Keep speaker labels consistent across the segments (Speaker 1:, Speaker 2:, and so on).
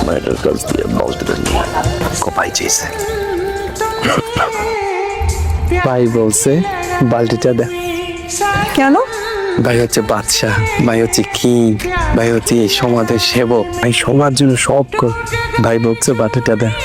Speaker 1: মায়ের কাছ দিয়ে বালতিটা নিয়ে কপাই চেয়েছে। ভাই বলছে বালতিটা দে।
Speaker 2: কেন?
Speaker 1: ভাই হচ্ছে বাদশাহ, ভাই হচ্ছে কিং, ভাই হচ্ছে এই সমাজের সেবক, ভাই সবার জন্য সব কর। ভাই বলছে বালতিটা দে।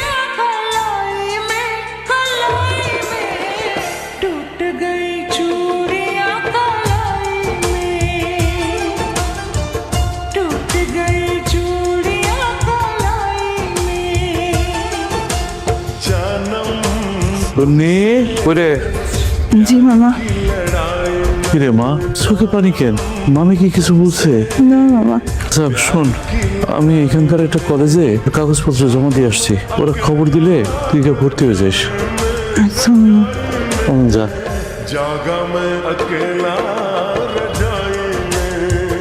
Speaker 2: জি মামা।
Speaker 3: কিরে মা, চোখে পানি কেন? মামি কি কিছু বলছে?
Speaker 2: না মামা।
Speaker 3: আচ্ছা শোন, আমি এখানকার একটা কলেজে কাগজপত্র জমা দিয়ে আসছি, ওরা খবর দিলে তুই গিয়ে ভর্তি হয়ে যাস।
Speaker 2: আচ্ছা মামা।
Speaker 3: যা।
Speaker 4: जागा मैं अकेला रजाई में,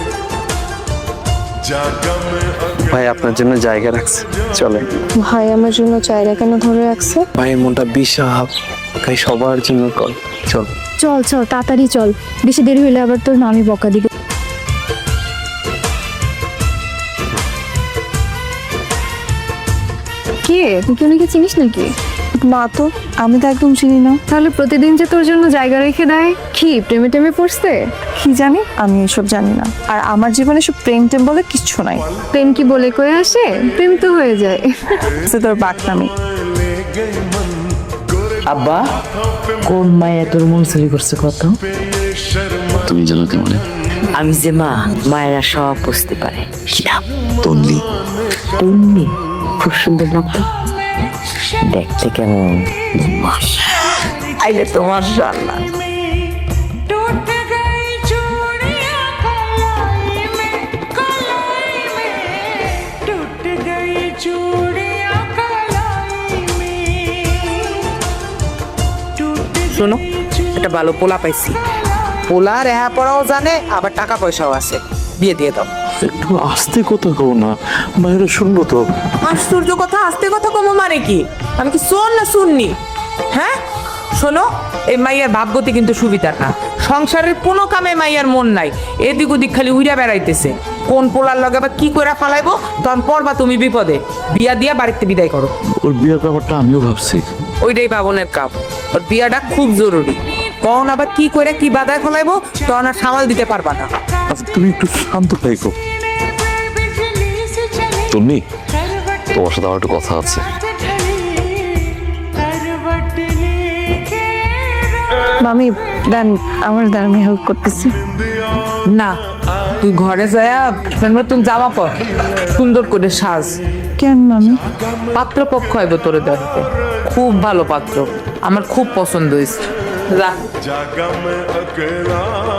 Speaker 4: जागा मैं
Speaker 1: ভাই আপনার জন্য জায়গা রাখছে, চলে।
Speaker 2: ভাই আমার জন্য চায়রা কেন ধরে রাখছে?
Speaker 1: ভাইয়ের মনটা বিশাল, ভাই সবার জন্য কর, চল।
Speaker 2: চল চল তাড়াতাড়ি চল, বেশি দেরি হলে আবার তোর নামি বকা দিবে। কে তুই? কেউ নাকি চিনিস নাকি? না তো, আমি তো একদম চিনি না। তাহলে প্রতিদিন যে তোর জন্য জায়গা রেখে দেয়, কি প্রেমে টেমে পড়ছে? কি জানি, আমি এসব জানি না। আর আমার জীবনে সব প্রেম টেম বলে কিচ্ছু নাই। প্রেম কি বলে কয়ে আসে? প্রেম তো হয়ে যায়। তোর বাকনামি।
Speaker 5: আব্বা, কোন মায়া তোর মন চুরি করছে কত?
Speaker 1: তুমি জানো কেমন?
Speaker 5: আমি যে মা, মায়েরা সব বুঝতে পারে। কি নাম?
Speaker 1: তন্নি।
Speaker 5: তন্নি? খুব সুন্দর নাম তো। দেখতে কেমন? আইলে তোমার জানলা।
Speaker 6: শোনো, একটা ভালো পোলা পাইছি। পোলা রেহা পড়াও জানে, আবার টাকা পয়সাও আছে। বিয়ে দিয়ে দাও।
Speaker 3: একটু আস্তে কথা কও না, মায়েরা শুনবো তো।
Speaker 6: আশ্চর্য কথা, আস্তে কথা কমো মানে কি? আমি কি শোন না শুননি? হ্যাঁ শোনো, এই মাইয়ার ভাবগতি কিন্তু সুবিধার না। সংসারের কোনো কামে মাইয়ার মন নাই, এদিক ওদিক খালি উইরা বেড়াইতেছে। কোন পোলার লগে বা কি করে ফালাইবো, তখন পড়বা তুমি বিপদে। বিয়া দিয়া বাড়িতে বিদায় করো।
Speaker 3: ওর বিয়ের ব্যাপারটা আমিও ভাবছি।
Speaker 6: ওইটাই বাবনের কাপ, ওর বিয়াটা খুব জরুরি। কখন আবার কি করে কি বাধায় ফলাইবো, তখন আর সামাল দিতে পারবা না।
Speaker 3: আচ্ছা তুমি একটু শান্ত থাকো।
Speaker 1: তন্নি, তোমার সাথে আমার একটু কথা আছে।
Speaker 2: মামি দেন, আমার দ্বারা আমি হেল্প করতেছি।
Speaker 6: না, তুই ঘরে যায়া নতুন জামা পর, সুন্দর করে সাজ।
Speaker 2: কেন মামি?
Speaker 6: পাত্র পক্ষ হইব তোরে দেখতে, খুব ভালো পাত্র, আমার খুব পছন্দ হয়েছে। যা।
Speaker 4: जागा मैं अकेला